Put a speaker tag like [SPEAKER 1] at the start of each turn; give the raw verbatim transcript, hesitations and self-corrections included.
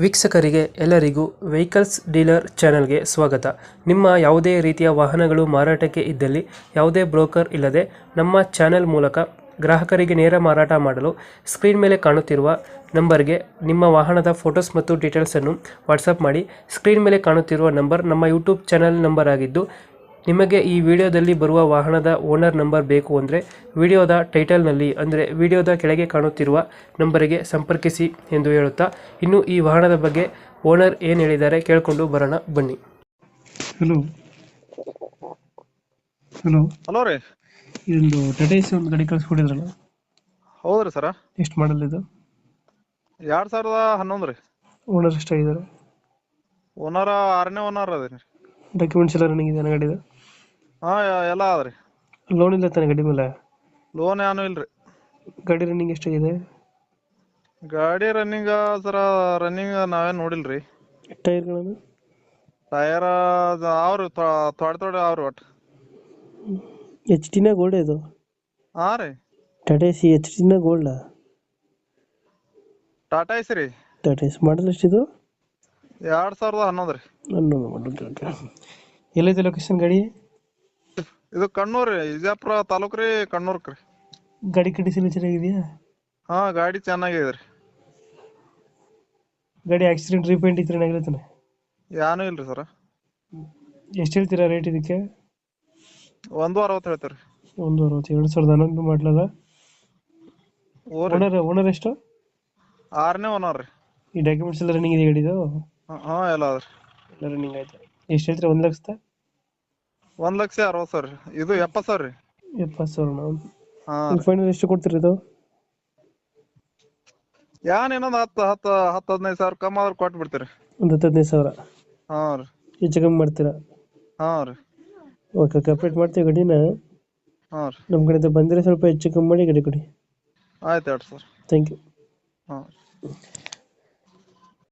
[SPEAKER 1] ವೀಕ್ಷಕರಿಗೆ ಎಲ್ಲರಿಗೂ vehicles dealer ಚಾನೆಲ್ಗೆ ಸ್ವಾಗತ. ನಿಮ್ಮ ಯಾವುದೇ ರೀತಿಯ ವಾಹನಗಳು ಮಾರಾಟಕ್ಕೆ ಇದ್ದಲ್ಲಿ ಯಾವುದೇ ಬ್ರೋಕರ್ ಇಲ್ಲದೆ ನಮ್ಮ ಚಾನೆಲ್ ಮೂಲಕ ಗ್ರಾಹಕರಿಗೆ ನೇರ ಮಾರಾಟ ಮಾಡಲು ಸ್ಕ್ರೀನ್ ಮೇಲೆ ಕಾಣುತ್ತಿರುವ ನಂಬರ್ಗೆ ನಿಮ್ಮ ವಾಹನದ ಫೋಟೋಸ್ ಮತ್ತು ಡೀಟೇಲ್ಸನ್ನು ವಾಟ್ಸಪ್ ಮಾಡಿ. ಸ್ಕ್ರೀನ್ ಮೇಲೆ ಕಾಣುತ್ತಿರುವ ನಂಬರ್ ನಮ್ಮ ಯೂಟ್ಯೂಬ್ ಚಾನೆಲ್ ನಂಬರ್ ಆಗಿದ್ದು, ನಿಮಗೆ ಈ ವಿಡಿಯೋದಲ್ಲಿ ಬರುವ ವಾಹನದ ಓನರ್ ನಂಬರ್ ಬೇಕು ಅಂದರೆ ವಿಡಿಯೋದ ಟೈಟಲ್ನಲ್ಲಿ ಅಂದರೆ ವಿಡಿಯೋದ ಕೆಳಗೆ ಕಾಣುತ್ತಿರುವ ನಂಬರಿಗೆ ಸಂಪರ್ಕಿಸಿ ಎಂದು ಹೇಳುತ್ತಾ, ಇನ್ನು ಈ ವಾಹನದ ಬಗ್ಗೆ ಓನರ್ ಏನು ಹೇಳಿದ್ದಾರೆ ಕೇಳಿಕೊಂಡು ಬರೋಣ ಬನ್ನಿ. ಹಲೋ ಹಲೋ
[SPEAKER 2] ಹಲೋ ರೀ.
[SPEAKER 1] ಇದೊಂದು ಟಾಟಾ ಎಸಿ ಒಂದು ಗಾಡಿ ಕಳಿಸ್ಕೊಟ್ಟಿದ್ರಲ್ಲ,
[SPEAKER 2] ಹೌದ್ರಿ ಸರ.
[SPEAKER 1] ಎಷ್ಟು ಮಾಡಲ್ ಇದು?
[SPEAKER 2] ಎರಡ್ ಸಾವಿರದ ಹನ್ನೊಂದು ರೀ.
[SPEAKER 1] ಓನರ್ ಎಷ್ಟಾಗಿದ್ದಾರೆ?
[SPEAKER 2] ಓನರ್ ಆರನೇ ಓನರ್ ಅದೇನಿ.
[SPEAKER 1] ಡಾಕ್ಯುಮೆಂಟ್ಸ್ ಎಲ್ಲ ರನ್ನಿಂಗ್ ಇದೆ ಗಾಡಿದು?
[SPEAKER 2] ಹಾ ಎಲ್ಲ ಅದ್ರಿ.
[SPEAKER 1] ಲೋನ್ ಇಲ್ಲ ತಾನೆ ಗಾಡಿ ಮೇಲೆ?
[SPEAKER 2] ಲೋನ್ ಏನು ಇಲ್ರಿ.
[SPEAKER 1] ಗಾಡಿ ರನ್ನಿಂಗ್ ಎಷ್ಟಾಗಿದೆ?
[SPEAKER 2] ಗಾಡಿ ರನ್ನಿಂಗ್ ಸರ ರನ್ನಿಂಗ್ ನಾವೇನ್ ನೋಡಿಲ್ರಿ.
[SPEAKER 1] ಟೈರ್ಗಳನ್ನು?
[SPEAKER 2] ಟೈರ್ ಅವ್ರಿ ತೊಡೆ ತೊಡೆ ಅವ್ರಿ ಒಟ್ಟು.
[SPEAKER 1] ಎಚ್ ಟಿನ ಗೋಲ್ಡ್ ಇದು?
[SPEAKER 2] ಹಾ ರೀ.
[SPEAKER 1] ಟಾಟಾ ಎಸಿ ಎಚ್ ಟಿನ ಗೋಲ್ಡ್?
[SPEAKER 2] ಟಾಟಾ ಎಸಿ ರೀ.
[SPEAKER 1] ಟಾಟಾ ಎಸಿ ಮಾಡಲ್ ಎಷ್ಟಿದು?
[SPEAKER 2] ಎರಡ್ ಸಾವಿರದ ಹನ್ನೊಂದು ರೀ.
[SPEAKER 1] ಹನ್ನೊಂದು ಮಾಡಲ್. ಎಲ್ಲೈತೆ ಲೊಕೇಶನ್ ಗಾಡಿ?
[SPEAKER 2] ಇದು ಕಣ್ಣೂರ್ ರೀ, ವಿಜಯಪುರ ತಾಲೂಕ್ ರೀ, ಕಣ್ಣೂರ್ಕ್ ರೀ.
[SPEAKER 1] ಗಾಡಿ ಕಂಡೀಷನ್ ಚೆನ್ನಾಗಿದೆಯಾ?
[SPEAKER 2] ಹಾ ಗಾಡಿ ಚೆನ್ನಾಗಿದೆ ರೀ.
[SPEAKER 1] ಗಾಡಿ ಆಕ್ಸಿಡೆಂಟ್ ರೀಪೇಂಟ್ ಇದ್ರೆ ಏನಾಗಿರ್ತಾನೆ?
[SPEAKER 2] ಏನೂ ಇಲ್ರಿ ಸರ.
[SPEAKER 1] ಎಷ್ಟು ಹೇಳ್ತೀರಾ ರೇಟ್ ಇದಕ್ಕೆ?
[SPEAKER 2] ಒಂದು ಅರವತ್ತು ಹೇಳ್ತೀರಿ.
[SPEAKER 1] ಒಂದು ಅರವತ್ತು. ಎರಡು ಸಾವಿರದ ಹನ್ನೊಂದು ಮಾಡಲದ? ಓನರ್ ಓನರ್ ಎಷ್ಟು?
[SPEAKER 2] ಆರನೇ ಓನರ್ ರೀ.
[SPEAKER 1] ಈ ಡಾಕ್ಯುಮೆಂಟ್ಸ್ ಎಲ್ಲ ರನ್ನಿಂಗ್ ಇದೆ ಗಾಡಿದು?
[SPEAKER 2] ಹಾ ಎಲ್ಲ ಅದ್ರಿ.
[SPEAKER 1] ಎಲ್ಲ ರನ್ನಿಂಗ್ ಆಯ್ತು. ಎಷ್ಟು ಹೇಳ್ತೀರಾ? ಒಂದು ಲಕ್ಷದ
[SPEAKER 2] ಒಂದ್ ಲಕ್ಷ ಅರವತ್ತು ಸಾವಿರ ರೀ. ಇದು ಎಪ್ಪತ್ತು ಸಾವಿರ ರೀ.
[SPEAKER 1] ಎಪ್ಪತ್ತು ಸಾವಿರ.
[SPEAKER 2] ಹಾ
[SPEAKER 1] ಫೈನಲ್ ಎಷ್ಟು ಕೊಡ್ತೀರಿ ಇದು?
[SPEAKER 2] ಏನ್ ಇನ್ನೊಂದ್ ಹತ್ತು ಹತ್ತು ಹತ್ತು ಹದಿನೈದು ಸಾವಿರ ಕಮ್ಮಿ ಆದ್ರೆ ಕೊಟ್ಟು ಬಿಡ್ತೀರಿ.
[SPEAKER 1] ಒಂದು ಹತ್ತು ಹದಿನೈದು ಸಾವಿರ?
[SPEAKER 2] ಹಾ ರೀ.
[SPEAKER 1] ಹೆಚ್ಚು ಕಮ್ಮಿ ಮಾಡ್ತೀರಾ?
[SPEAKER 2] ಹಾ ರೀ.
[SPEAKER 1] ಓಕೆ, ಕಂಪ್ಲೀಟ್ ಮಾಡ್ತೀವಿ ಗಾಡಿನ.
[SPEAKER 2] ಹಾ ರೀ.
[SPEAKER 1] ನಮ್ಮ ಕಡೆಯಿಂದ ಬಂದರೆ ಸ್ವಲ್ಪ ಹೆಚ್ಚು ಕಮ್ಮಿ ಮಾಡಿ ಗಾಡಿ ಕೊಡಿ.
[SPEAKER 2] ಆಯ್ತು ಹೇಳ್ರಿ ಸರ್.
[SPEAKER 1] Thank you.
[SPEAKER 2] ಹಾ.